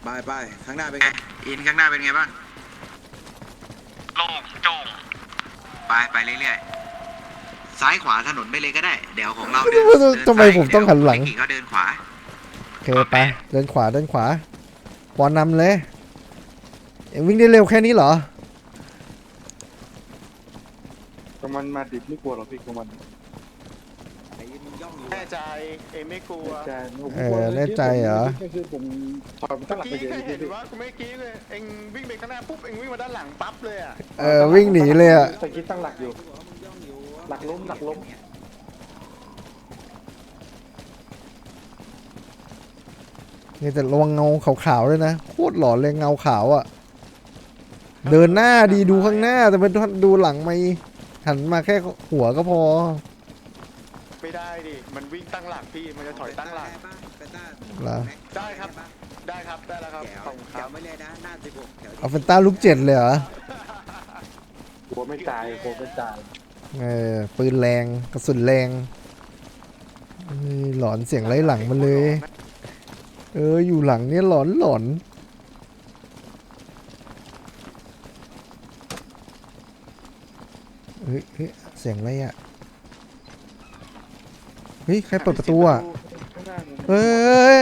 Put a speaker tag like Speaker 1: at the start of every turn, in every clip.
Speaker 1: ไปข้างหน้าเป็นไงอินข้างหน้าเป็นไงบ้างโล่งโจ่งไปเรื่อยๆซ้ายขวาถนนไปเลยก็ได้เดี๋ยวของเราเดิน
Speaker 2: ทำไมผมต้องหันหลัง
Speaker 1: เด็กเขาเดินขวา
Speaker 2: โอเคไปเดินขวาปอนนำเลยเอ็งวิ่งได้เร็วแค่นี้เหรอ
Speaker 3: กำมันมาดิบไม่กลัวหรอกพี่กำมัน
Speaker 4: แน่ใจเองไม่กลัว
Speaker 2: แน่ใจเหรอ
Speaker 3: คือผมถอยมันตั้งหลักไป
Speaker 4: เมื่อกี้
Speaker 3: เยอะ
Speaker 4: เคยเห็น
Speaker 3: พี่
Speaker 4: ว่ากูไม่กี้เลยเองวิ่งไปข้างหน้าปุ๊บเองวิ่งมาด้านหลังปั๊บเลยอ่ะ
Speaker 2: วิ่งหนีเลยอ่ะ
Speaker 3: ตะกี้ตั้งหลักอยู่หลักล้ม
Speaker 2: นี่แต่ระวังเงาขาวๆด้วยนะโคตรหลอนเลยเงาขาวอ่ะเดินหน้าดีดูข้างหน้าแต่เป็นดูหลังไม่หันมาแค่หัวก็พอ
Speaker 4: ไม่ได้ดิมันวิ่งตั้งหลักพี่มันจะถอยตั้งหลัก
Speaker 2: เหรอ
Speaker 4: ได้ครับได้แล้วครับขอบคุณครับ
Speaker 1: ไม่เลยนะหน้า16แถว
Speaker 2: เอาเฟนต้าลูก7เลยเหรอ
Speaker 3: กลัวไม่ตาย
Speaker 2: ปืนแรงกระสุนแรงหลอนเสียงไล่หลังมันเลยอยู่หลังเนี่ยหลอนเฮ้ยเสียงอะไรอ่ะเฮ้ยใครเปิดประตูอ่ะเฮ้ย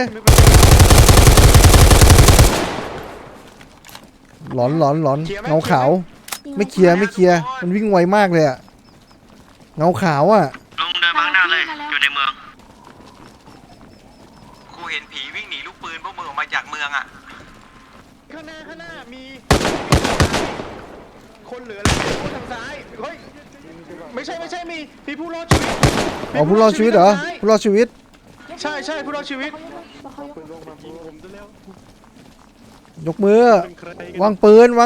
Speaker 2: หลอนเงาขาวไม่เคลียร์มันวิ่งไวมากเลยอ่ะเงาขาวอ่ะ
Speaker 1: ลงเดินมาข้างหน้าเลยอยู่ในเมืองครูเห็นผีวิ่งหนีลูกปืนพวกมึงออกมาจากเมืองอ่ะ
Speaker 4: ข้างหน้ามีคนเหลือแล้วทางซ้ายเฮ้ยไม่ใช่มีผู้รอดชีวิต
Speaker 2: อ๋อผู้รอดชีวิตเหรอผู้รอดชีวิต
Speaker 4: ใช่ผู้รอดชีวิต
Speaker 2: ยกมือวางปืนลง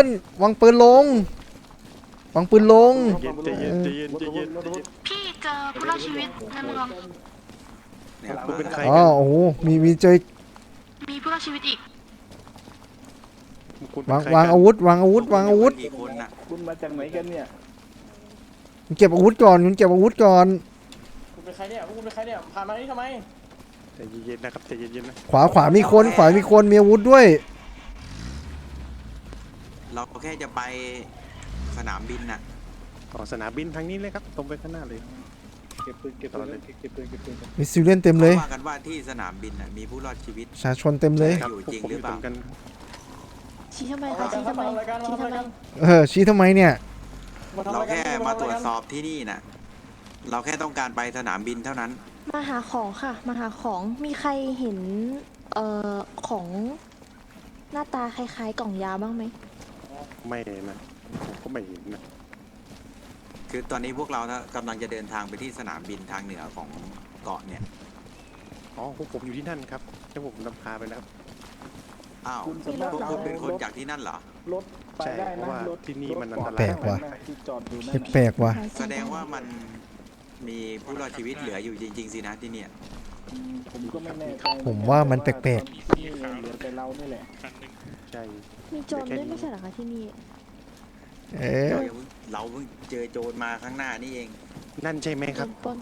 Speaker 5: พี่เจอผู้รอดชีวิตในเมือง
Speaker 4: คุณเป็นใคร
Speaker 2: อ๋อโอ้โหมีเจอ
Speaker 5: มีผู้รอดชีวิตอีก
Speaker 2: วางอาวุธ
Speaker 1: กี่คนน่ะ
Speaker 3: คุณมาจากไหนกันเนี่ย
Speaker 2: เก็บอาวุธก่อน
Speaker 3: คุณเป็นใครเนี่ยพามานี่ทำไม
Speaker 4: ใจเย็นๆนะครับใจเย็นๆนะ
Speaker 2: ขวามีคนมีอาวุธด้วย
Speaker 1: เราแค่จะไปสนามบินน่ะ
Speaker 4: สนามบินทางนี้เลยครับตรงไปข้างหน้าเลย
Speaker 3: เก็บปืน
Speaker 2: มีซิลเลียนเต็มเลย
Speaker 1: ว่ากันว่าที่สนามบินน่ะมีผู้รอดชีวิต
Speaker 2: ประชาชนเต็มเลย
Speaker 1: อยู่จริงหรือเปล่า
Speaker 5: ชี้ทำไมคะชี้ทำไม
Speaker 2: ชี้ทำไมเนี่ย
Speaker 1: เราแค่มาตรวจสอบที่นี่น่ะเราแค่ต้องการไปสนามบินเท่านั้น
Speaker 5: มาหาของค่ะ มาหาของ มีใครเห็นของหน้าตาคล้ายๆกล่องยาบ้างไหม
Speaker 4: ไม่นะผมก็ไม่เห็นนะ
Speaker 1: คือตอนนี้พวกเรากำลังจะเดินทางไปที่สนามบินทางเหนือของเกาะเนี่ย
Speaker 4: พวกผมอยู่ที่นั่นครับแล้วผมนำพาไปแล้ว
Speaker 1: อ้าว
Speaker 3: คุณ
Speaker 1: พวกคุณเป็นคนจากที่นั่นเหรอ
Speaker 3: รถไป
Speaker 4: ใช่
Speaker 3: ได้
Speaker 4: เพราะ
Speaker 3: นะ
Speaker 4: ว่าร
Speaker 3: ถ
Speaker 4: ที่นี่มันอันต
Speaker 2: แป
Speaker 4: รา
Speaker 2: ล
Speaker 4: ย
Speaker 2: กว่ะ
Speaker 3: ที่จอดอยู่นั่น
Speaker 2: แปลกว่ะ
Speaker 1: แสดงว่ามันมีผู้รอดชีวิตเหลืออยู่จริงๆสินะที่เนี่ย
Speaker 3: ผมก็ไม่แน่ใจ
Speaker 2: ผมว่ามันแปลก
Speaker 3: นี่เหลือแต่เรานี่แหละ
Speaker 4: ใช่
Speaker 5: มีโจรด้วยไม่ใช่เหรอคะที่นี่
Speaker 1: เราเพิ่งเจอโจรมาข้างหน้านี่เอง
Speaker 4: นั่นใช่ไหมครับ
Speaker 5: ปล้น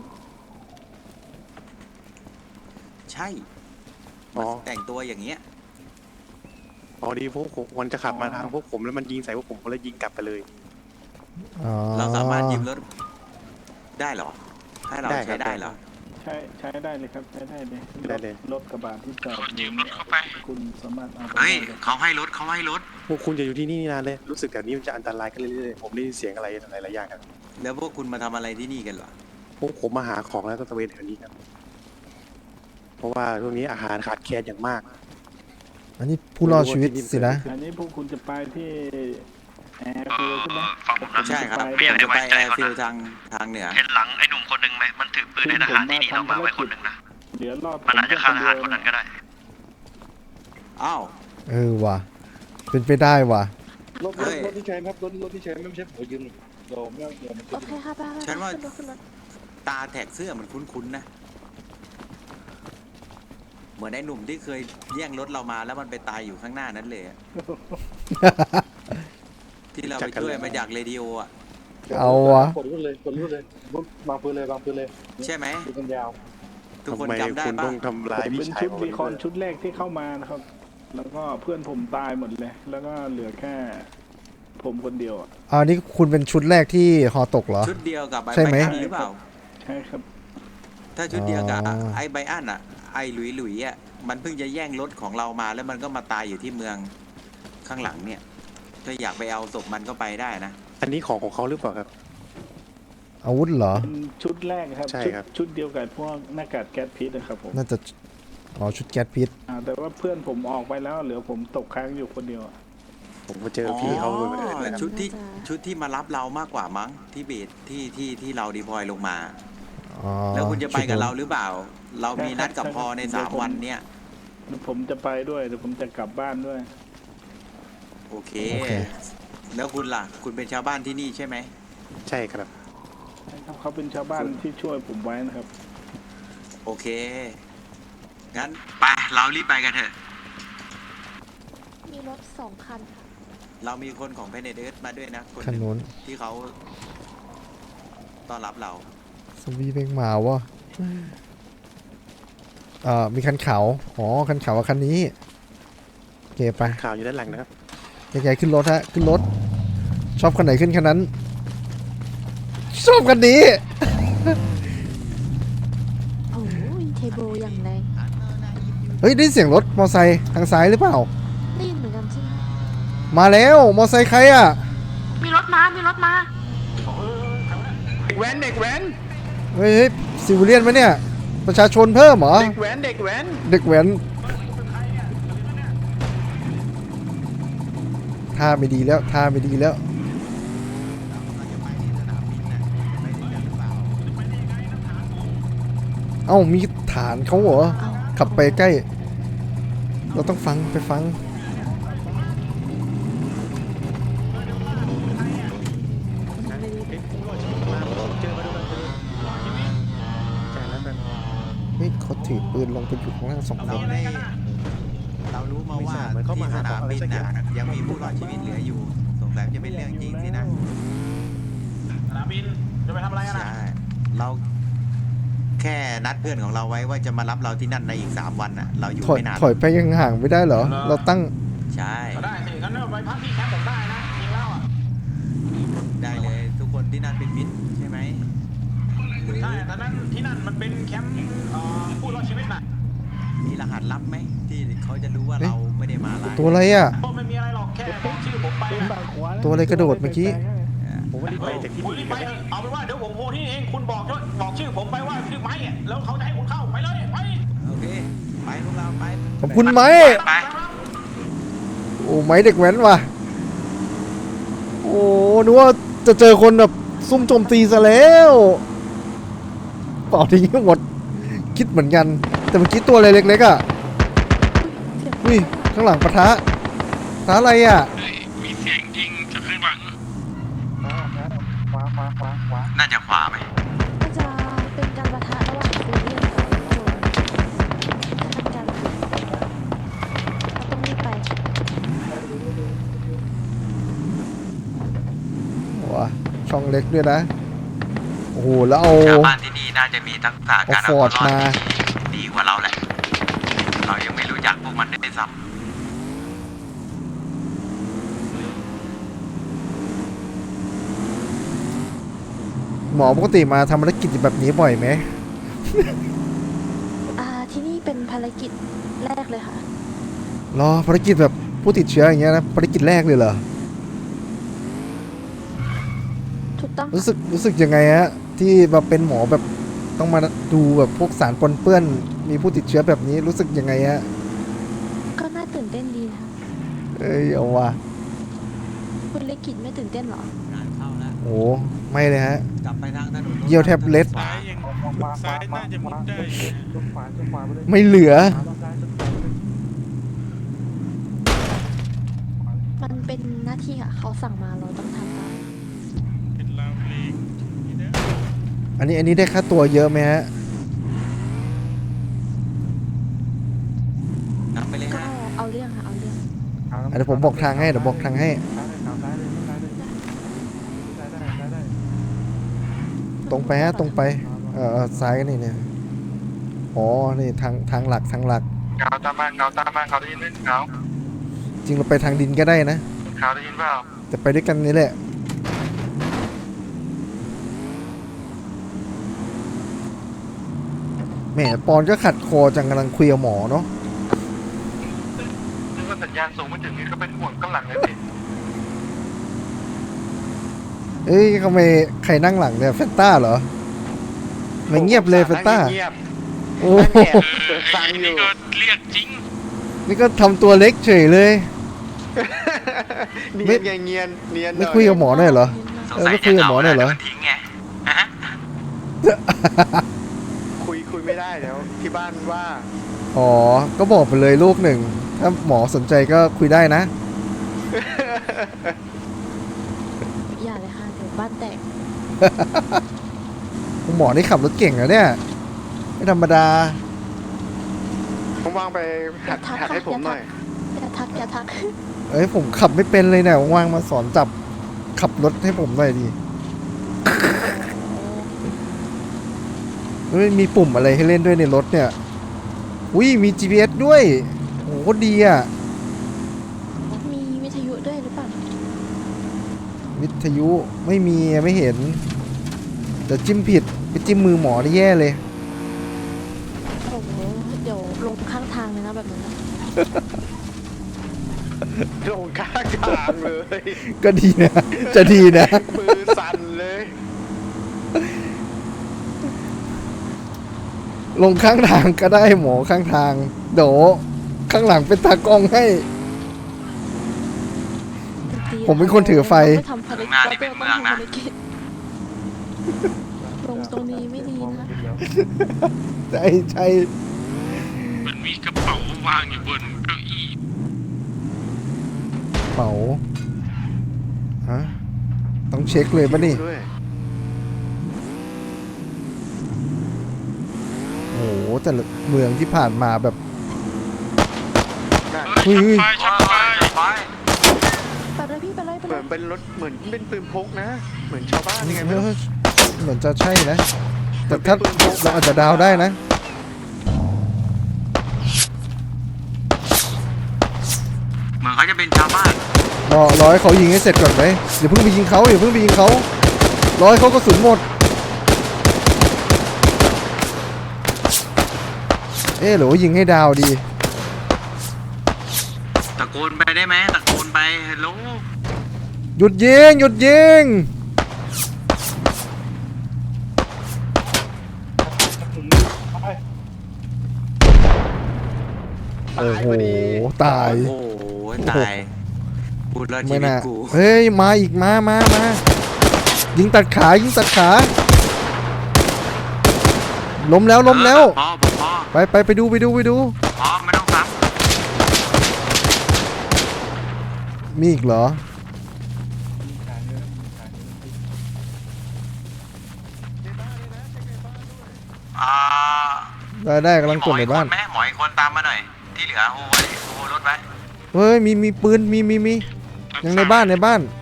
Speaker 1: ใช่
Speaker 4: อ๋อ
Speaker 1: แต่งตัวอย่างเงี้ย
Speaker 4: ดีพวกผมมันจะขับมาทางพวกผมแล้วมันยิงใส่พวกผมก็เลยยิงกลับไปเลย
Speaker 1: เราสามารถยืมรถได้เหรอให้เรา
Speaker 4: ได้ครับ
Speaker 1: ใช้ได้เหรอ
Speaker 3: ใช้ได้เลยครับใช้ได้เลย
Speaker 4: ได้เลย
Speaker 3: รถกระบะที่จอดยืมรถเข้าไปคุณสามารถเอาไป
Speaker 1: เฮ้ย
Speaker 3: ได้
Speaker 1: เขาให้รถ
Speaker 4: พวกคุณจะอยู่ที่นี่นานเลยรู้สึกแบบนี้มันจะอันตรายกันเรื่อยๆผมได้ยินเสียงอะไรหลายๆอย่างครับ
Speaker 1: แล้วพวกคุณมาทำอะไรที่นี่กันเหรอ
Speaker 4: พวกผมมาหาของแล้วก็ตระเวนแถวนี้ครับเพราะว่าช่วงนี้อาหารขาดแคลนอย่างมาก
Speaker 2: อันนี้ผู้รอดชีวิตสินะ
Speaker 3: อันนี้พวกคุณจะไปที่แอร์ฟิลใช่ไหม
Speaker 1: ใช่ครับ
Speaker 3: ผม
Speaker 1: ผม
Speaker 3: จะ
Speaker 1: จะ
Speaker 3: ไป
Speaker 1: ไปแอร์ฟิลทางเหนือ
Speaker 6: เห็นหลังไอ้หนุ่มคนหนึ่งไหมมันถือปืนในทหารที่นี่เรามาไว้คนหนึ่งนะ
Speaker 3: เดี๋ยวรอบ
Speaker 6: มันอาจจะฆ่าทหารคนนั้นก็ได้
Speaker 1: อ้าว
Speaker 2: ว่ะเป็นไปได้ว่ะ
Speaker 3: รถที่ใช้ครับรถที่ใช้ไม่ใช่ผมยืมโดมแล้วเดี๋ยวมัน
Speaker 5: โอเคค่ะไป
Speaker 1: ฉันว่า
Speaker 5: ขึ้นรถ
Speaker 1: ตาแท็กเสื้อมันคุ้นๆนะ เหมือนไอ้หนุ่มที่เคยแย่งรถเรามาแล้วมันไปตายอยู่ข้างหน้านั้นเลยอะ ที่เราไปช่วยมาจากเรดิโออ่ะ
Speaker 2: เอาวะ
Speaker 3: กดรุ่นเลยวางปืนเลย
Speaker 1: ใช่ไหม
Speaker 3: ดูกันยาว
Speaker 1: ทุกคน
Speaker 4: ทำไม
Speaker 1: จำได้
Speaker 4: คุณ
Speaker 1: ปะ
Speaker 4: ต้องทำร้าย
Speaker 3: เป็น
Speaker 4: พี่ชาย
Speaker 3: ชุด
Speaker 4: ผม
Speaker 3: รีคอนชุดแรกที่เข้ามานะครับ
Speaker 7: แล้วก็เพื่อนผมตายหมดเลย แล้วก็เหลือแค่ผมคนเดียวอะ
Speaker 2: อันนี้คุณเป็นชุดแรกที่ฮอตกเหรอ
Speaker 1: ชุดเดียวกับไอ้
Speaker 2: ใช่ไหม
Speaker 1: ไบอันหรือเปล่า
Speaker 7: ใช่ครับ
Speaker 1: ถ้าชุดเดียวกับ
Speaker 2: อ๋อ
Speaker 1: ไอ้ไบอันอ่ะไอ้หลุยอ่ะมันเพิ่งจะแย่งรถของเรามาแล้วมันก็มาตายอยู่ที่เมืองข้างหลังเนี่ย ถ้าอยากไปเอาศพมันก็ไปได้นะ
Speaker 4: อันนี้ของเขาหรือเปล่าครับ
Speaker 2: อาวุธเหรอ
Speaker 7: เป็นชุดแรกครับ
Speaker 4: ใช่ครับ
Speaker 7: ชุดเดียวกับพวกหน้ากากแก๊สพิษนะครับผม
Speaker 2: น่าจะอ๋อชุดแก๊สพิษ
Speaker 7: แต่ว่าเพื่อนผมออกไปแล้วเหลือผมตกค้างอยู่คนเดียวอะ
Speaker 4: ผมมาเจอพี่เขาบ่อยๆนะครับ
Speaker 1: ชุดที่มารับเรามากกว่ามั้งที่เบสที่เราดีพลอยลงมา
Speaker 2: อ๋อ
Speaker 1: แล้วคุณจะไปกับ
Speaker 2: ชุดนู้น
Speaker 1: เราหรือเปล่า เรามีนัดกับพอใน
Speaker 7: เดี๋ยวผม
Speaker 1: 3 วันเนี่ย
Speaker 7: ผมจะไปด้วยเดี๋ยวผมจะกลับบ้านด้วย
Speaker 1: โอเค แล้วคุณล่ะ คุณเป็นชาวบ้านที่นี่ใช่ไหม
Speaker 4: ใช่ครับ
Speaker 7: เขาเป็นชาวบ้านที่ช่วยผมไว้นะครับ
Speaker 1: โอเค งั้นไปเรารีบไปกันเถอะ
Speaker 5: มีรถ2 คันค่ะ
Speaker 1: เรามีคนของเพนเดอร์มาด้วยนะคน
Speaker 2: คัน
Speaker 1: หนึ่ง
Speaker 2: นู้น
Speaker 1: ที่เขาต้อนรับเรา
Speaker 2: สวีเพ่งมาวะมีคันขาวอ๋อคันขาวกับคันนี้โอเคไป
Speaker 4: ข่าวอยู่ด้านหลังนะครับ
Speaker 2: ใหญ่ๆขึ้นรถฮะขึ้นรถ ชอบคันไหนขึ้นคันนั้น ชอบคันนี้
Speaker 5: โอ้ยเทโบอย่างแรง
Speaker 2: เฮ้ยได้เสียงรถมอไซค์ทางซ้ายหรือเปล่า
Speaker 5: ได้ยินเหมือนกันใช่ไหม
Speaker 2: มาแล้วมอไซค์ใครอ่ะ
Speaker 5: มีรถมา มีรถมา
Speaker 4: เด็กแว้นเด็กแว้น
Speaker 2: เฮ้ยซิวิเลียนไหมเนี่ย ประชาชนเพิ่มเหรอ
Speaker 4: เด็กแว้นเด็กแว้น
Speaker 2: เด็กแว้นท่าไม่ดีแล้วท่าไม่ดีแล้ว เอ้ามีฐานเขาเหรอ
Speaker 5: เอา
Speaker 2: ขับไปใกล้ เราต้องฟังไปฟัง
Speaker 4: เจอมาด้วยกันใช่แล้วกัน
Speaker 2: เฮ้ยเขาถือปืนลงไปอยู่ข้างล่าง2 คน
Speaker 1: เรารู้มาว่า
Speaker 4: เหมือนเขามา
Speaker 1: ที่ส
Speaker 4: หาน
Speaker 1: าม
Speaker 4: อะไร
Speaker 1: บิน
Speaker 4: สักอย่าง
Speaker 1: น่ะยังมีผู้รอดชีวิตเหลืออยู่ สงสัยจะเป็นเรื่องจริงสินะ
Speaker 7: สนามบินจะไปทำอะไรกัน
Speaker 1: ใช่ เราแค่นัดเพื่อนของเราไว้ว่าจะมารับเราที่นั่นในอีก3 วันน่ะ เราอยู่
Speaker 2: ถอย
Speaker 1: ไม่นาน
Speaker 2: ถอยไปยังห่างไม่ได้เหรอ เราตั้ง
Speaker 1: ใช่
Speaker 7: ได้สิงั้นไปพักที่แคมป์ผมได้นะจริงแล้วอ่ะ
Speaker 1: ได้เลยทุกคนที่นั่นเป็นมิตรใช่ไหมหรือ
Speaker 7: ใช่แต่นั้นที่นั่นมันเป็นแคมป์ผู้รอดชีวิตนะ
Speaker 1: มีรหัสลับไหมที่เขาจะรู้ว่า
Speaker 2: เอ๊ะ
Speaker 1: เราไม่ได้มาร้าย
Speaker 2: ตัวอะไรอ่ะ
Speaker 7: ก็ไม่มีอะไรหรอกแค่บอกชื่อผมไปนะ
Speaker 2: ตัวอะไรกระโดดเมื่อกี้
Speaker 4: ผมว่ารีบไปจากที่
Speaker 7: คุณ
Speaker 4: นี่
Speaker 7: รีบไป
Speaker 4: กัน
Speaker 7: เถอะเอาเป็นว่าเดี๋ยวผมโทรที่นี่เองคุณบอกชื่อผมไปว่าชื่อไม้อะแล้วเขาจะให้คุณเข้าไปเลยไป
Speaker 1: โอเค ไปพวกเราไป
Speaker 2: ขอบคุณไหม
Speaker 1: ไป
Speaker 2: โอ้ไม้เด็กแว้นว่ะ โอ้นึกว่าจะเจอคนแบบซุ่มโจมตีซะแล้วเปล่าทิ้งหมด คิดเหมือนกัน แต่เมื่อกี้ตัวอะไรเล็กๆอ่ะอุ้ยข้างหลังปะทะอะไรอ่ะ
Speaker 6: มีเสียงยิงจะขึ้นหลัง
Speaker 1: น่าจะขวาไหม
Speaker 5: ก็จะเป็นการปะทะระหว่างซีเรียสกับโจรถ้าเป็นการปะทะเราต้องรีบไป
Speaker 2: ว้าช่องเล็กด้วยนะ โอ้โห แล้วเอา
Speaker 1: ชาวบ้านที่นี่น่าจะมีทักษะการ
Speaker 2: เอา
Speaker 1: เอาตัวรอด
Speaker 2: ฟอร์ดมา
Speaker 1: ที่ดีกว่าเราแหละ เรายังไม่รู้จักพวกมันได้ซ้
Speaker 2: หมอปกติมาทำภารกิจแบบนี้บ่อยไหม
Speaker 5: ที่นี่เป็นภารกิจแรกเลยค่ะ
Speaker 2: รอภารกิจแบบผู้ติดเชื้ออย่างเงี้ยนะภารกิจแรกเลยเหรอ
Speaker 5: ถูกต้องค่ะ
Speaker 2: รู้สึกยังไงฮะที่แบบเป็นหมอแบบต้องมาดูแบบพวกสารปนเปื้อนมีผู้ติดเชื้อแบบนี้รู้สึกยังไงฮะ
Speaker 5: ก็น่าตื่นเต้นดีนะคะ
Speaker 2: เอ้ยเอาว่ะ
Speaker 5: คุณเลกิจไม่ตื่นเต้นเหรอ
Speaker 1: ำงานเข้าแล้ว
Speaker 2: โอ้ไม่เลยฮะ
Speaker 1: กลับไปทางถนน
Speaker 2: เยี่ยวแทบเล็ด
Speaker 6: ซ้ายยังซ้ายน่าจะมุดได้
Speaker 2: ไม่เหลือ
Speaker 5: มันเป็นหน้าที่ค่ะเขาสั่งมาเราต้องทำตาม
Speaker 6: เป็นราวเพลงนี่นะ
Speaker 2: อันนี้ได้ค่าตัวเยอะไหมฮะ
Speaker 1: นำไปเลย
Speaker 5: ก็
Speaker 1: ฮะ
Speaker 5: เอาเรื่องค่ะเอาเรื่อง
Speaker 2: เดี๋ยวผมบอกทางให้เดี๋ยวบอกทางให้ ตรงไปฮะตรงไปซ้ายนี่เนี่ยอ๋อนี่ทางหลัก
Speaker 6: เกาตามมาเกาตามมาเกาได้ยินไหมเกา
Speaker 2: จริงเราไปทางดินก็ได้นะ
Speaker 6: ข่าวได้ยินเปล่า
Speaker 2: แต่ไปด้วยกันนี่แหละแหมปอนก็ขัดคอจังกำลังคุยกับหมอเนาะ
Speaker 6: นึกว่าสัญญาณส่งไม่ถึงนี่ก็เป็นห่วงข้างหลังเลยสิ
Speaker 2: เอ้ยทำไมใครนั่งหลังเนี่ยเฟนต้าเหรอไม่เงียบเลยเฟนต้า
Speaker 4: เงียบ
Speaker 2: โอ้
Speaker 4: นั่ง
Speaker 2: โห
Speaker 4: แอบฟังอยู่
Speaker 6: นี่ก็เรียกจริง
Speaker 2: นี่ก็ทำตัวเล็กเฉยเลย
Speaker 4: เนียนไงเนียนเนียนหน่
Speaker 2: ไม่คุยกับหมอหน่อยเหรอ
Speaker 6: สงสัย
Speaker 2: ไม่คุ
Speaker 6: จะ
Speaker 2: ยกับ
Speaker 6: เห
Speaker 2: หม
Speaker 6: งา
Speaker 2: อหน่
Speaker 6: แล้
Speaker 2: อ
Speaker 6: วย
Speaker 2: เหรอ
Speaker 6: เดี๋ยวมันทิ้งไงฮะ
Speaker 4: คุยไม่ได้แล้วที่บ้านว่า
Speaker 2: อ๋อ ก็บอกไปเลยลูกหนึ่ง ถ้าหมอสนใจก็คุยได้นะ
Speaker 5: อย่าเลยค่ะเดี๋ยวบ้านแตก
Speaker 2: หมอนี่ขับรถเก่งนะเนี่ย ไม่ธรรมดา
Speaker 4: ผมวางไปหัด
Speaker 5: ทัก
Speaker 4: หัด
Speaker 5: ค่ะ
Speaker 4: ให้ผมหน่อย
Speaker 5: อย่าทักอย่าทัก
Speaker 2: เอ้ยผมขับไม่เป็นเลยเนี่ยว่างๆมาสอนจับขับรถให้ผมหน่อยดีเฮ้ยมีปุ่มอะไรให้เล่นด้วยในรถเนี่ย อุ้ยมี GPS ด้วยโอ้โหดีอ่ะ
Speaker 5: มีวิทยุด้วยหรือเปล่า
Speaker 2: วิทยุไม่มีไม่เห็นแต่จิ้มผิดไปจิ้มมือหมอได้แย่เลย
Speaker 5: โอ้โหเดี๋ยวลงข้างทางเลยนะแบบนั้นนะ
Speaker 4: ลงข้างทางเลย
Speaker 2: ก็ดีนะ จะดีนะ
Speaker 4: มือสั่นเลย
Speaker 2: ลงข้างทางก็ได้หมอข้างทางเดี๋ยวข้างหลังเป็นตากล้องให้
Speaker 5: ดีๆ
Speaker 2: ผมเป็นคนถือไฟ
Speaker 5: เราม่ทำภารกิจเราต้องทำภารกิจลงตรงนี้ไม่ดีนะ
Speaker 2: ใช่ใช่
Speaker 6: มันมีกระเป๋าวางอยู่บนเก้าอี้
Speaker 2: เป๋าฮะต้องเช็คเลยปะนี่
Speaker 4: ด้วย
Speaker 2: โอ้โหแต่ละเมืองที่ผ่านมาแบบ
Speaker 4: นั่น
Speaker 2: เฮ้ย
Speaker 6: ช็อตไฟ
Speaker 5: ไปเลยพี่ไปเลยไป
Speaker 4: เห
Speaker 5: เล
Speaker 4: มือย นเป็นรถเหมือนเป็นปืนพกนะ เหมือนชาวบ้านยังไงไม่รู้
Speaker 2: เหมือนจะใช่นะ แต่ถ้าเราอาจจะดาวได้นะ
Speaker 1: เหมือนเขาจะเป็นชาวบ้าน
Speaker 2: รอให้เขายิงให้เสร็จก่อนไหมอย่าเพิ่งไปยิงเขาอย่าเพิ่งไปยิงเขารอให้เขากระสุนหมด เอ๊ะหรือว่ายิงให้ดาวดี
Speaker 1: ตะโกนไปได้ไหมตะโกนไปฮัลโหล
Speaker 2: หยุดยิงหยุดยิง
Speaker 3: ไป
Speaker 2: โอ้โหตาย
Speaker 1: โอ้โหตายพูดแล้วชี
Speaker 2: ไม่
Speaker 1: วิต
Speaker 2: น่า
Speaker 1: กู
Speaker 2: เฮ้ยมาอีกมายิงตัดขายิงตัดขาล้มแล้วล้มแล้ว
Speaker 1: พอพอ
Speaker 2: ไปดู
Speaker 1: พอไม่ต้องซ้
Speaker 2: มีอีกเหรอ
Speaker 1: ำ
Speaker 2: ได้กำลังกดในบ้าน
Speaker 1: หมออีกคนตามมาหน่อย ที่เหลือโอ้รถไว้
Speaker 2: เฮ้ยมีปืนมียังในบ้าน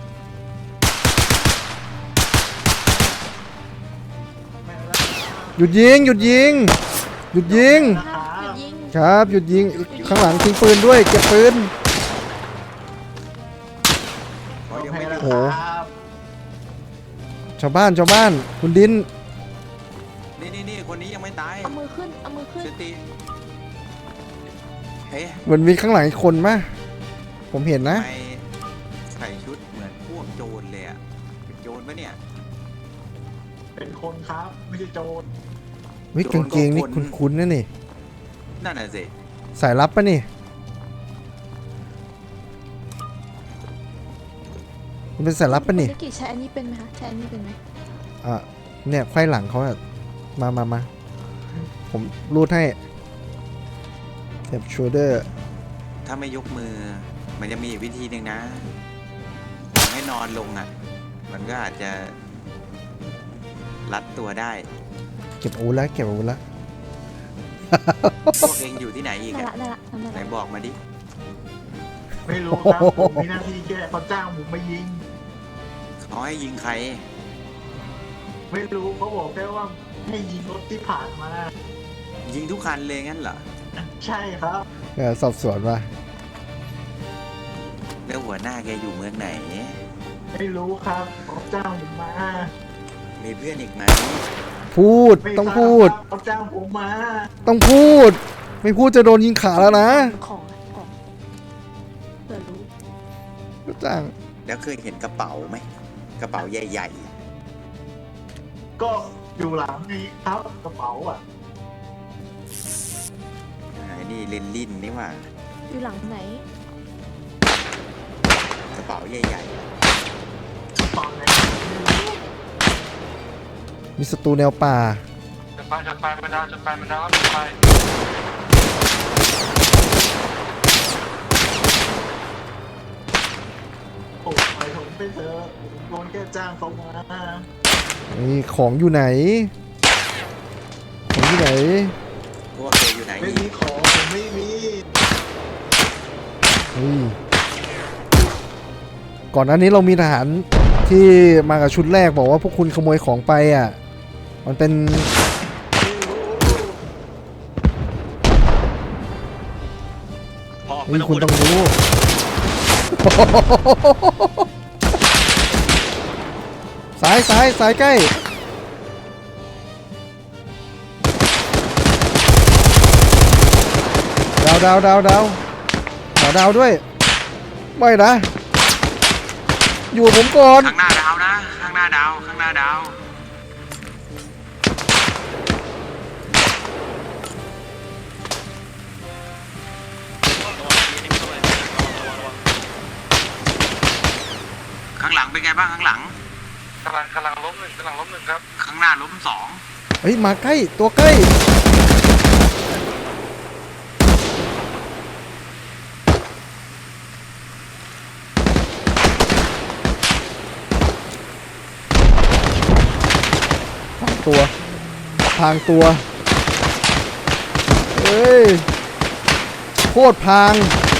Speaker 2: หยุดยิง
Speaker 5: หยุดยิง
Speaker 2: ครับหยุดยิงข้างหลังทิ้งปืนด้วยเก็บปืนโอ้โหชาวบ้านคุณดิน
Speaker 1: นี่คนนี้ยังไม่ตาย
Speaker 5: เอามือขึ้นเอามือขึ้น
Speaker 1: สติเฮ้ย
Speaker 2: เหมือนมีข้างหลังอีกคนมะผมเห็นนะ
Speaker 1: ทำไมใส่ชุดเหมือนพวกโจรเลยอ่ะเป็นโจรปะเนี่ย
Speaker 7: เป็นคนครับไม่ใช่โจร
Speaker 2: วิกางเกงนี่คุ้นๆนะนี่
Speaker 1: นั่นน่ะสิ
Speaker 2: สายลับปะนี่มันเป็นสายลับปะนี่
Speaker 5: ภารกิจใช้อันนี้เป็นไหมคะใช้อันนี้เป็นไหม
Speaker 2: อ่ะเนี่ยไขว้หลังเขาอะมาผมรูดให้เก็บโชเดอร์
Speaker 1: ถ้าไม่ยกมือ มันจะมีอีกวิธีหนึ่งนะให้นอนลงอ่ะ มันก็อาจจะรัดตัวได้
Speaker 2: เก็บอาวุธแล้ว
Speaker 1: พวกเองอยู่ที่ไหนอีก
Speaker 5: ได้
Speaker 1: อะ
Speaker 5: ละนั่น
Speaker 1: ไหน
Speaker 5: ละ
Speaker 1: บอกมาดิ
Speaker 7: ไม่รู้ครับผมมีหน้าที่แค่เขาจ้างผมมายิง
Speaker 1: เขาให้ยิงใคร
Speaker 7: ไม่รู้เขาบอกแค่ว่าให้ยิงรถที่ผ่านมา
Speaker 1: ยิงทุกคันเลยงั้นเหรอ
Speaker 7: ใช่ครับ
Speaker 2: สอบสวนว่า
Speaker 1: แล้วหัวหน้าแกอยู่เมืองไหน
Speaker 8: ไม่รู้ครับเขาจ้างผมมา
Speaker 1: มีเพื่อนอีกไหม
Speaker 2: พูดต้องพูด
Speaker 8: เขาจ้างผมมา
Speaker 2: ต้องพูด ไม่พูดจะโดนยิงขาแล้วนะ
Speaker 5: ของเผื่อรู้
Speaker 2: ก็จ้าง
Speaker 1: แล้วเคยเห็นกระเป๋าไหมกระเป๋าใหญ่
Speaker 8: ก็อยู่หลังนี้ครับกระเป๋าอ่ะ
Speaker 1: ๆไอ้นี่เลนลินนี่หว่า
Speaker 5: อยู่หลังไหน
Speaker 1: กระเป๋าใหญ่
Speaker 8: ตอนไหน
Speaker 2: มีศัตรูแนวป่า
Speaker 6: จะไปมันดาวจะไปมันดาวจะไป
Speaker 8: โอ้ยผมไปเถอะผมโดนแค่จ้างเขามา
Speaker 2: นี่ของอยู่ไหน ของอยู่ไหน
Speaker 1: ๆพวกแกอยู่ไหน
Speaker 8: ไม่
Speaker 1: นี่
Speaker 8: มีของผมไม่มี
Speaker 2: เฮ้ยก่อนหน้านี้เรามีทหารที่มากับชุดแรกบอกว่าพวกคุณขโมยของไปอ่ะ มันเป็น
Speaker 6: พอไม่
Speaker 2: นี่
Speaker 6: ต้อง
Speaker 2: คุ
Speaker 6: พู
Speaker 2: ณ
Speaker 6: ด
Speaker 2: ต้องรู้ สายใกล้ ดาวขอดาวด้วย ไม่นะ อยู่กับผมก่อน
Speaker 1: ข้างหน้าดาวนะ ข้างหน้าดาวข้างหน้าดาวข้างหลังเป็นไงบ้างข้างหลัง
Speaker 6: กำลังล้มหนึ่งครับ
Speaker 1: ข้างหน้าล้มสอง
Speaker 2: เฮ้ย มาใกล้ ตัวใกล้ พางตัว เฮ้ย โคตรพาง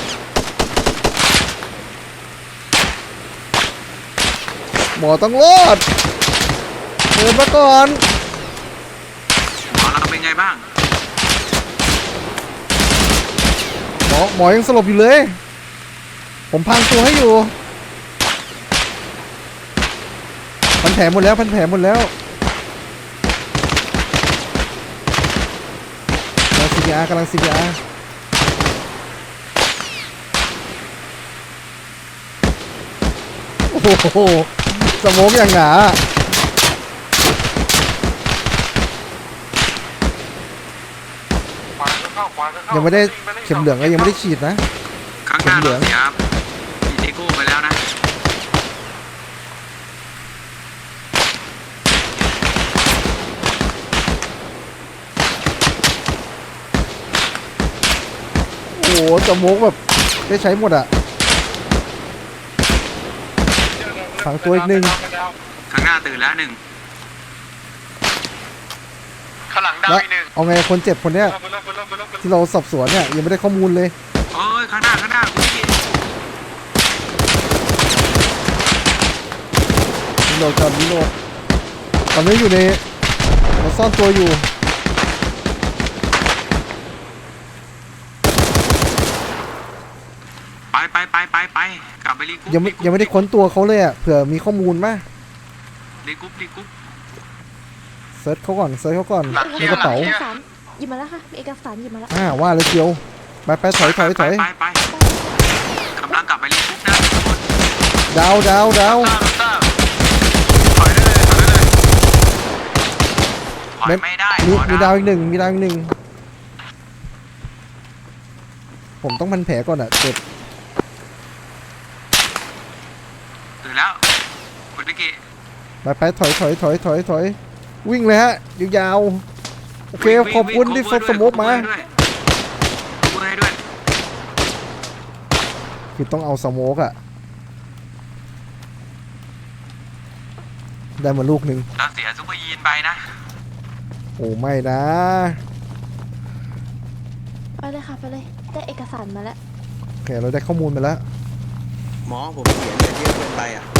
Speaker 2: หมอต้องรอดเดินมาก่อน
Speaker 1: หมอเราเป็นไงบ้าง
Speaker 2: หมอยังสลบอยู่เลย ผมพางตัวให้อยู่ พันแผลหมดแล้วกำลัง CPR โอ้โหสโมกอย่างหนา
Speaker 6: ขวาก็เข้า
Speaker 2: ยังไม่ได้เข็มเหลืองก็ยังไม่ได้ฉีดนะ
Speaker 1: ข้างหน้าเราเสียอีเดโก้ไปแล้วนะ
Speaker 2: โอ้โหสโมกแบบได้ใช้หมดอ่ะ ฝังตัวอีกหนึ่ง
Speaker 1: ข้างหน้าตื่นแล้วหนึ่ง
Speaker 6: ข้างหลังดาว
Speaker 2: แล้ว
Speaker 6: อีกหนึ่ง
Speaker 2: เอาไงคนเจ็บคนเนี้ย
Speaker 6: ไปแล้ว
Speaker 2: ที่เราสอบสวนเนี่ยยังไม่ได้ข้อมูลเลย
Speaker 1: เอ้ยข้างหน้าคุณพี่
Speaker 2: รีโหลดก่อนรีโหลดตอนนี้อยู่ในเราซ่อนตัวอยู่
Speaker 1: ไปกลับไปรีกรุ๊ป
Speaker 2: ยังไม่ได้ค้นตัวเขาเลยอ่ะเผื่อมีข้อมูลมั้ย
Speaker 1: รีกรุ๊ป
Speaker 2: เซิร์ชเขาก่อนในกระเป๋า
Speaker 5: เอกสารหยิบมาแล้วค่ะมีเอกสารหยิบมาแล้ว
Speaker 2: ว่าเลยเจียวไปถอย
Speaker 1: ไปกำลังกลับไปรีกรุ๊ปนะทุกคน
Speaker 2: ดาว
Speaker 6: ทราบ
Speaker 1: ถอยได้เลยถอยไม่ได้
Speaker 2: มีดาวอีกหนึ่งผมต้องพันแผลก่อนอ่ะเจ็บ
Speaker 1: ตื่นแล้วคุณพิกกี้
Speaker 2: ไปถอยวิ่งเลยฮะยาวๆโอเคขอบคุณที่ฟดสโมกมา
Speaker 1: ให้ด้วย
Speaker 2: คือต้องเอาสโมกอ่ะได้มาลูกหนึ่ง
Speaker 1: เราเสียซุปเปอร์ยีนไปนะ
Speaker 2: โอ้ไม่นะ
Speaker 5: ไปเลยค่ะไปเลยได้เอกสารมาแล้ว
Speaker 2: โอเคเราได้ข้อมูลมาแล้ว
Speaker 1: หมอผมเสียเลือดเยอะเกินไปอ่ะ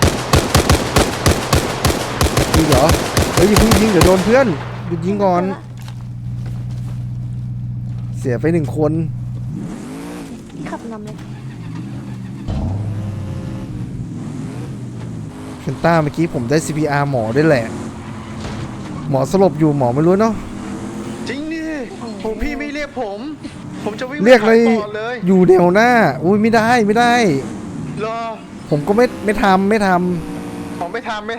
Speaker 2: จริงเหรอเฮ้ยอย่าเพิ่งยิงเดี๋ยวโดนเพื่อนหยุดยิงก่อน เสียไป1 คน
Speaker 5: ขับนำเลย
Speaker 2: เพนต้าเมื่อกี้ผมได้ CPR หมอด้วยแหละ หมอสลบอยู่หมอไม่รู้เนาะ
Speaker 9: จริงดิผมพี่ไม่เรียกผมจะวิ่ง
Speaker 2: เรียกเลย
Speaker 9: ไปก่อนเลย
Speaker 2: อยู่แนวหน้า อุ้ยไม่ได้ไม่ได้
Speaker 9: รอ
Speaker 2: ผมก็ไม่ทำ
Speaker 9: ผมไม่ทำ
Speaker 2: ไม่
Speaker 9: ทำ
Speaker 2: ไม่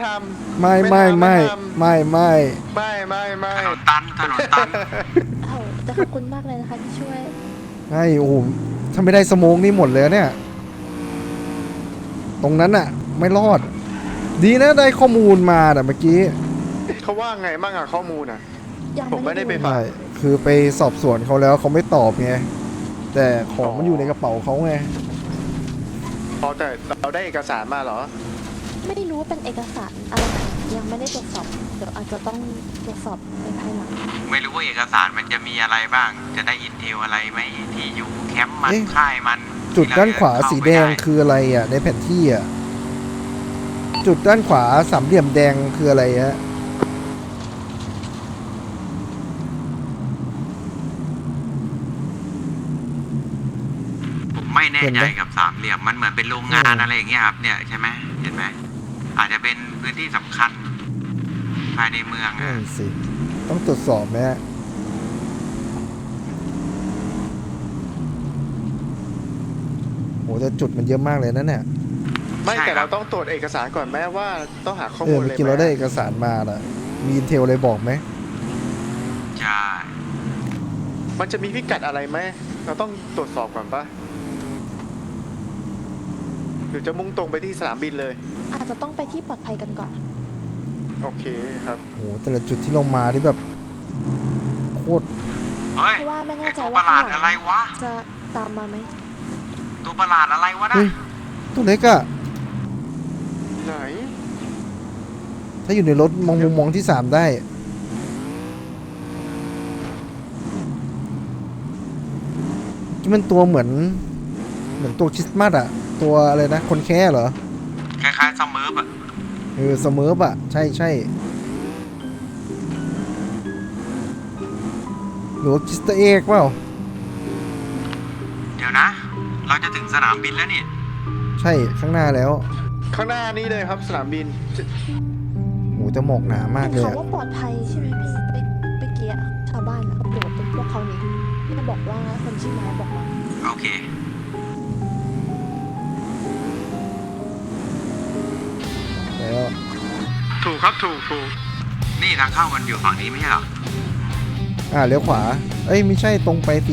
Speaker 1: ถนนตัน
Speaker 5: เอ้าแต่ขอบคุณมากเลยนะคะที่ช่วย
Speaker 2: ไม่โอ้โหถ้าไม่ได้สโมกนี่หมดเลยเนี่ย ตรงนั้นอะไม่รอด ดีนะได้ข้อมูลมาแต่เมื่อกี้
Speaker 9: เขาว่าไงบ้างอะข้อมูลอะ
Speaker 5: ยัง
Speaker 9: ผมไม่ได้ไป
Speaker 5: ดู
Speaker 9: ฟัง
Speaker 2: ใช่คือไปสอบสวนเขาแล้วเขาไม่ตอบไง แต่ของมันอยู่ในกระเป๋าเขาไง
Speaker 9: พอแต่เราได้เอกสารมาเหรอ
Speaker 5: ไม่รู้ว่าเป็นเอกสารอะไรยังไม่ได้ตรวจสอบเดี๋ยวอาจจะต้องตรวจสอบในภายหลัง
Speaker 1: ไม่รู้ว่าเอกสารมันจะมีอะไรบ้าง จะได้อินเทลอะไรไหมที่อยู่แคมป์มัน
Speaker 2: เอ๊ะ
Speaker 1: ค่ายมัน
Speaker 2: จุดด้านขวา
Speaker 1: ที่เร
Speaker 2: สีแดง
Speaker 1: เข้าไม่ไ
Speaker 2: คืออะไรอ่ะในแผนที่อ่ะ จุดด้านขวาสามเหลี่ยมแดงคืออะไรฮะ
Speaker 1: ผมไม่แน่
Speaker 2: เห็น
Speaker 1: ใจ
Speaker 2: ไหม
Speaker 1: กับสามเหลี่ยมมันเหมือนเป็นโรงงานอะไรอย่างเงี้ยครับเนี่ยใช่ไหมเห็นไหมอาจจะเป็นพื้นที่สำคัญภายในเมือง
Speaker 2: นั่
Speaker 1: อะ
Speaker 2: นสิ ต้องตรวจสอบไหมฮะโหแต่จุดมันเยอะมากเลยนะเนี่ย
Speaker 9: ไม่แต่เราต้องตรวจเอกสารก่อนแม้ว่าต้องหาข้อ
Speaker 2: เอ
Speaker 9: มู
Speaker 2: อ
Speaker 9: ล
Speaker 2: เมื่
Speaker 9: เล
Speaker 2: อย กี้
Speaker 9: ไหม
Speaker 2: เราได้เอกสารมาล่ะ มีอินเทลอะไรบอกไหม
Speaker 1: ใช่
Speaker 9: มันจะมีพิกัดอะไรไหมเราต้องตรวจสอบก่อนปะหรือจะมุ่งตรงไปที่สนามบินเลย
Speaker 5: อาจจะต้องไปที่ปลอดภัยกันก่อน
Speaker 9: โอเคครับ
Speaker 2: โหแต่ละจุดที่เรามาที่แบบโคตร
Speaker 1: เฮ้ย
Speaker 5: เพราะว่าไม่แน่
Speaker 1: ไอ้
Speaker 5: ใจ
Speaker 1: ตัวป
Speaker 5: ว่า
Speaker 1: ระหลาดอะไรวะ
Speaker 5: จะตามมาไหม
Speaker 1: ตัวประหลาดอะไรวะนะ
Speaker 2: เฮ้ย ตัวเล็กอะ
Speaker 9: ไหน
Speaker 2: ถ้าอยู่ในรถมองมุมมองที่ 3 ได้ ที่มันตัวเหมือนตัวคริสต์มาสอะตัวอะไรนะ คนแค่เหรอ
Speaker 1: คล้ายๆซัมเมอร์อะ
Speaker 2: เสมอปะใช่ใช่หรือว่าคริสต์เอกเปล่า
Speaker 1: เดี๋ยวนะ เราจะถึงสนามบินแล้วนี่
Speaker 2: ใช่ข้างหน้าแล้ว
Speaker 9: ข้างหน้านี้เลยครับสนามบิน
Speaker 2: โหแต่หมอกหนามากเลย
Speaker 5: เขา
Speaker 2: อะ
Speaker 5: ว่าปลอดภัยใช่ไหมพี่เมื่อกี้อะชาวบ้านอะเขาบอกเป็นพวกเขานี่ที่บอกว่าคนชื่อไม้บอกมา
Speaker 1: โอเค
Speaker 2: แล้ว
Speaker 9: ถูกครับถูก
Speaker 1: นี่ทางเข้ามันอยู่ฝั่งนี้ไม่ใช่เหรอ
Speaker 2: เลี้ยวขวา เอ้ยไม่ใช่ตรงไปสิ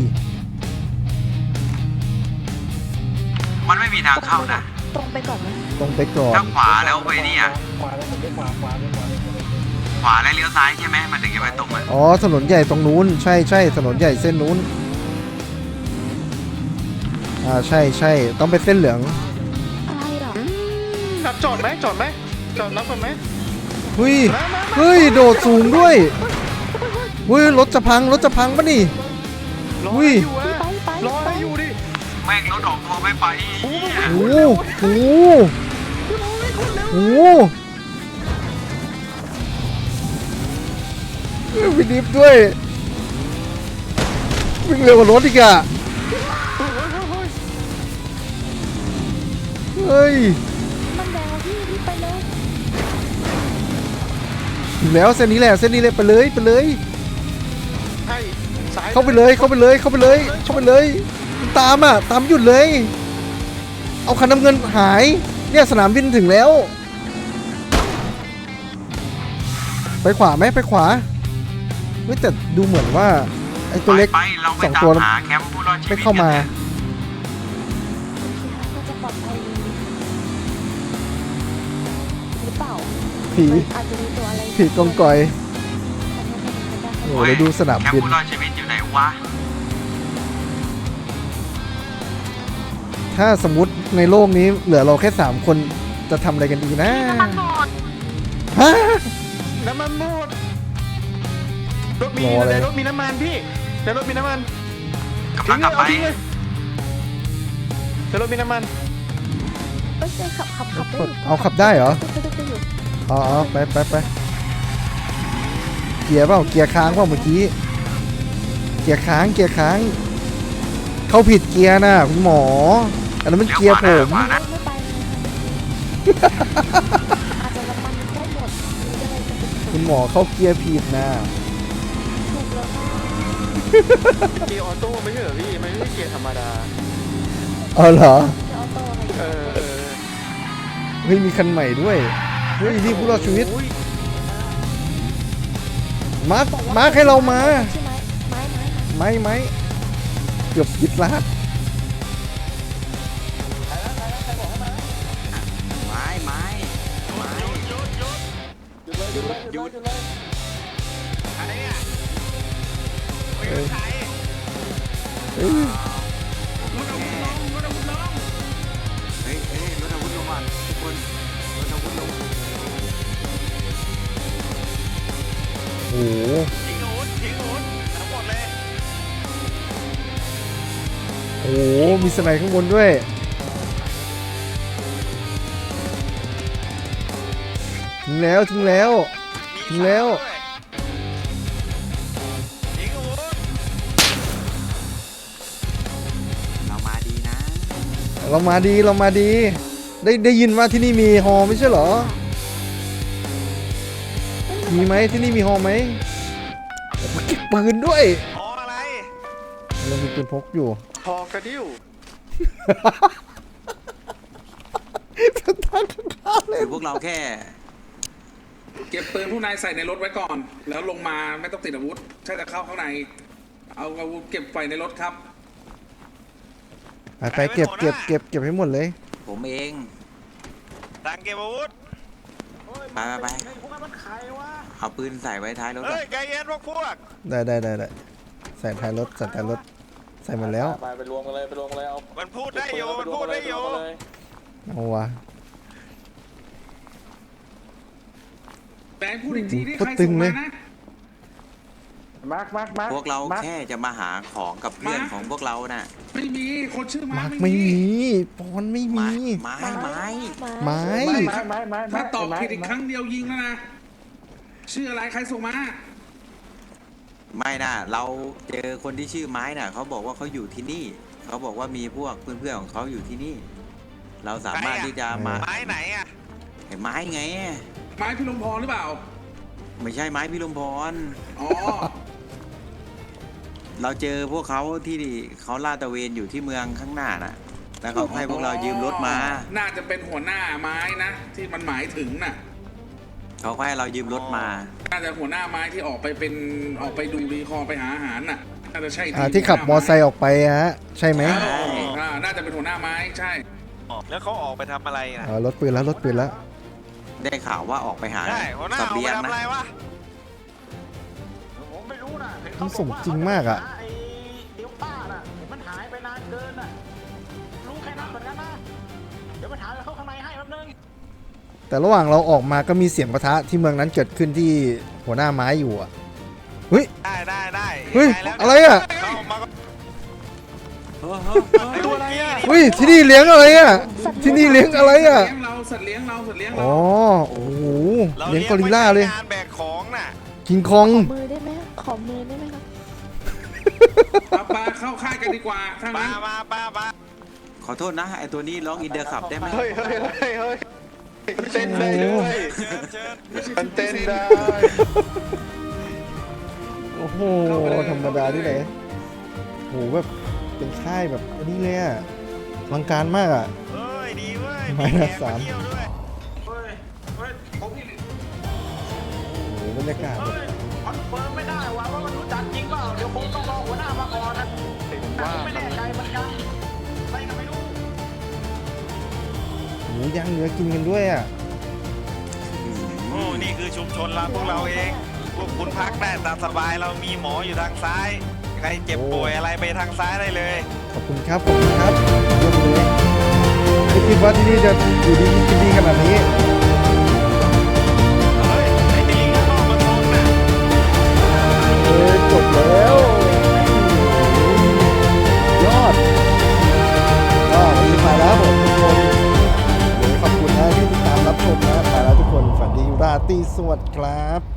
Speaker 1: มันไม่มีทางเข้านะ
Speaker 5: ตรงไปก่อนไหม
Speaker 2: ตรงไปก่อน
Speaker 1: ถ้าขวาแล้วไปนี่อ่ะ
Speaker 3: ขวาแล้วผมได้ขวาเลย
Speaker 1: ขวาแล้วเลี้ยวซ้ายใช่ไหมมันถึงจะไปตรงอ่ะ
Speaker 2: อ๋อถนนใหญ่ตรงนู้นใช่ใช่ถนนใหญ่เส้นนู้นใช่ใช่ต้องไปเส้นเหลือง
Speaker 5: อะไรเหรอ
Speaker 9: รับจอดไหมจอดรับกันไหม
Speaker 2: เฮ้ยเฮ้ยโดดสูงด้วยเฮ้ยรถจะพังปะนี่
Speaker 9: รอ
Speaker 2: อุ้ย
Speaker 9: ให้อยู่อะ
Speaker 5: ไป
Speaker 9: รอให้อยู่ดิ
Speaker 1: แม่งรถออกตัวไม่ไปเหี้ย
Speaker 2: โอ้โหโอ้โหวิ่งดิฟด้วยวิ่งเร็วกว่ารถอีกอะเฮ้ย
Speaker 5: มันแดงแล้วพี่รีบไปเลย
Speaker 2: ถึงแล้วเส้นนี้แหละไปเลย
Speaker 9: ให้ซ้าย
Speaker 2: เข้าไปเลยตามหยุดเลย เอาคันน้ำเงินหายเนี่ยสนามบินถึงแล้ว ไปขวาไหมไปขวาเฮ้ยแต่ดูเหมือนว่าไอ้ตัวเล็ก
Speaker 1: ไปเราไป
Speaker 2: สอง
Speaker 1: ตา
Speaker 2: ตัว
Speaker 1: มหาแคมป์ผู้รอดชีวิต
Speaker 2: ไม่เข้ามา
Speaker 1: กัน
Speaker 5: น่าจะปลอดภัยหรือเปล่า
Speaker 2: ผี
Speaker 5: อาจจะมีตัวอะไร
Speaker 2: ผีกองกอยโอ้โหเดี๋ยวดูสนาม
Speaker 1: แคม
Speaker 2: บิ
Speaker 1: ป์
Speaker 2: น
Speaker 1: ผู้รอดชีวิตอยู่ไหนวะ
Speaker 2: ถ้าสมมติในโลกนี้เหลือเราแค่3คนจะทำอะไรกันดีนะฮะ
Speaker 9: น้ำมันหมดรถมี
Speaker 2: รออะไร
Speaker 9: ในรถมีน้ำมันพี่ในรถมีน้ำมัน
Speaker 1: กำลังกลับไป
Speaker 9: ทิ้งเลยในรถมีน้ำมัน
Speaker 5: เอ้ยขับได้อยู่
Speaker 2: เอาขับได้เหรอ
Speaker 5: ได้อยู่
Speaker 2: อ๋อไปเกียร์เปล่าเกียร์ค้างเปล่าเมื่อกี้เกียร์ค้างเข้าผิดเกียร์นะคุณหมออันนั้นมันเกียร์ผม
Speaker 1: ขวานะ
Speaker 5: ไม่ไปอาจ
Speaker 2: คุณหมอเข้าเกียร์ผิดนะ
Speaker 5: ถูกแล้วค่ะ
Speaker 9: เกียร์ออโต้ไม่ใช่เหรอพี่มันไม่ใช่เกียร์ธรรมดา
Speaker 2: อ๋อเหรอ
Speaker 5: จะเอาโต้อะไร
Speaker 9: เออ
Speaker 2: เฮ้ยมีคันใหม่ด้วยเฮ้ยนี่ผู้รอดชีวิตมาร์คให้เรามา
Speaker 5: ใช่ไหมไม้
Speaker 2: เกือบยึดลาด
Speaker 1: ไม้หยุดอะไรเนี่ยไม่รู้ใคร
Speaker 2: เฮ้ย
Speaker 1: รถอาวุธลงเฮ้ยรถอาวุธลงก่อนทุกคนรถอาวุธลง
Speaker 2: โอ้โห
Speaker 6: ทิ้งอาวุธทั้งหมดเลย
Speaker 2: โอ้โหมีสไนด์ข้างบนด้วยถึงแล้ว
Speaker 6: มีขาด้วยทิ้งอาวุธ
Speaker 1: เรามาดีนะ
Speaker 2: เรามาดีได้ยินว่าที่นี่มีฮอไม่ใช่เหรอมีไหมที่นี่มีฮอไหมโอ้โหเก็บปืนด้วย
Speaker 6: พออะไร
Speaker 2: เรามีปืนพกอยู่
Speaker 9: พอกระดิ้ว
Speaker 1: คือพวกเราแค่
Speaker 10: เก็บปืนผู้นายใส่ในรถไว้ก่อน แล้วลงมาไม่ต้องติดอาวุธถ้าจะเข้าข้างใน เอาอาวุธเก็บไว้ในรถครับ
Speaker 2: ไปเก็บให้หมดเลย
Speaker 1: ผมเอง
Speaker 6: ต่างเก็บอาวุธ
Speaker 1: ไปเอาปืนใส่ไว้ท้ายรถก่อ
Speaker 6: เฮ้
Speaker 1: น
Speaker 6: ยใจเย็นพวก
Speaker 2: ได้ใส่ท้ายรถใส่หมดแล้ว
Speaker 3: ไปรวมกันเลยเอา
Speaker 6: มันพูดได้อยู่
Speaker 2: เอาวะ
Speaker 10: แต่พูดอีกทีที่
Speaker 2: โอ้
Speaker 10: ใคร
Speaker 2: โหตึ
Speaker 10: ส่
Speaker 2: ง
Speaker 10: ง
Speaker 2: เล
Speaker 10: มาย นะ
Speaker 3: มาร์ค
Speaker 1: พวกเราแค่จะมาหาของกับเพื่อนของพวกเราน่ะ
Speaker 10: ไม่มีคนชื่อมา
Speaker 2: มา
Speaker 10: ร์
Speaker 2: ร์
Speaker 10: ค
Speaker 2: คไม่มีปอนไม่มี
Speaker 1: ไม้
Speaker 2: ไม้
Speaker 10: ถ้าตอบผิดอีกครั้งเดียวยิงแล้วนะ ชื่ออะไรใครส่งมา
Speaker 1: ไม่น่ะเราเจอคนที่ชื่อไม้น่ะเขาบอกว่าเขาอยู่ที่นี่เขาบอกว่ามีพวกเพื่อนๆของเขาอยู่ที่นี่ เราสามารถที่จะมา
Speaker 6: ไม้ไหนอ่ะ
Speaker 1: เห็นไม้ไง
Speaker 10: ไม้พิรมพรหรือเปล่า
Speaker 1: ไม่ใช่ไม้พิรมพร
Speaker 10: อ๋อ
Speaker 1: เราเจอพวกเขาที่เขาลาดตระเวนอยู่ที่เมืองข้างหน้าน่ะ แล้วเขาให้พวกเรายืมรถมา
Speaker 10: น่าจะเป็นหัวหน้าไม้นะ ที่มันหมายถึงน่ะ
Speaker 1: เขาให้เรายืมรถมา
Speaker 10: น่าจะหัวหน้าไม้ที่ออกไปดูรีคอร์ไปหาอาหารน่ะ น่าจะใช่
Speaker 2: ที่ขับมอไซค์ออกไปฮะใช่ไหม
Speaker 10: น่าจะเป็นหัวหน้าไม้ใช่
Speaker 6: แล้วเขาออกไปทำอะไรนะ
Speaker 2: รถปืนแล้ว
Speaker 1: ได้ข่าวว่าออกไปหา
Speaker 6: ใช่หัวหน้า
Speaker 1: เส
Speaker 6: ออก
Speaker 1: บี
Speaker 6: ไป
Speaker 1: ยง
Speaker 6: ทำ
Speaker 1: นะ
Speaker 6: อะไรวะ
Speaker 7: ผมไม่รู้นะเห็น
Speaker 2: มั
Speaker 7: เขา
Speaker 2: นสมจริงมากอ่ะ
Speaker 7: ไอ้เดี๋ยวป้าน่ะเห็นมันหายไปนานเกินน่ะรู้แค่นั้นเหมือนกันนะเดี๋ยวไปถามเขาข้างในให้แป๊บนึง
Speaker 2: แต่ระหว่างเราออกมาก็มีเสียงปะทะที่เมืองนั้นเกิดขึ้นที่หัวหน้าไม้อยู่อ่ะเฮ้ย
Speaker 6: ได้
Speaker 2: เฮ้ย
Speaker 6: ยังงแล้ว
Speaker 2: อะไรอ่ะ
Speaker 6: เข้ามาก็
Speaker 9: ตัวอะไรอ่ะ
Speaker 2: เฮ้ยที่นี่เลี้ยงอะไรอ่ะที่นี่เลี้ยงอะไรอ่ะ
Speaker 10: สัตว์เลี้ยงเรา
Speaker 2: อ๋อโอ้โห
Speaker 6: เรา
Speaker 2: เลี้ยงกอริลลาเลย
Speaker 6: ไว้ใช้งานแบกของน่ะ
Speaker 2: คิงคอง
Speaker 5: มือได้ไหมขอมือได้ไหมครับ
Speaker 10: ปลาเข้าค่ายกันดีกว่าถ้างั้น
Speaker 6: มา
Speaker 1: ขอโทษนะไอตัวนี้ร้องอินเดอร์ขับได้ไหม
Speaker 9: เฮ้ยมันเต้นได้ด้วย
Speaker 6: เชิญ
Speaker 9: มันเต้นได้
Speaker 2: โอ้โหธรรมดาที่ไหนโหแบบเป็นค่ายแบบอันนี้เลยอ่ะอลังการมากอ่ะ
Speaker 6: เฮ้ยดีเว้ย
Speaker 2: ไม้
Speaker 6: มี
Speaker 2: ละ
Speaker 6: แขก
Speaker 2: สาม
Speaker 6: มาเที่ยวด้วย
Speaker 7: เฮ้ยผมนี่
Speaker 2: โอ้โหบรรยากาศแบบ
Speaker 7: เฮ้ยคอนเฟิร์มไม่ได้ว่ามันรู้จักจริงเปล่าเดี๋ยวผมต้องรอหัวหน้ามาก่อนนะแต่ผมไม่แน่ใจเหมือนกันใครก็ไม่รู้
Speaker 2: หมูย่างเนื้อกินกันด้วยอ่ะ
Speaker 6: โอ้นี่คือชุมชนเราพวกเราเอง พวกคุณพักได้ตามสบายเรามีหมออยู่ทางซ้าย ใครเจ็บป่วยอะไรไปทางซ้ายได้เลย
Speaker 2: ขอบคุณครับเยี่ยมเลยไม่คิดว่าที่นี่จะอยู่ดีกินดีขนาดนี้
Speaker 6: เฮ้ยไอ้ที่ลิงข้างนอกมันชนน่ะ
Speaker 2: จบแล้วยอดก็วันนี้ไปแล้วผมทุกคนขอบคุณนะที่ติดตามรับชมนะไปแล้วทุกคนฝันดีราตรีสวัสดิ์ครับ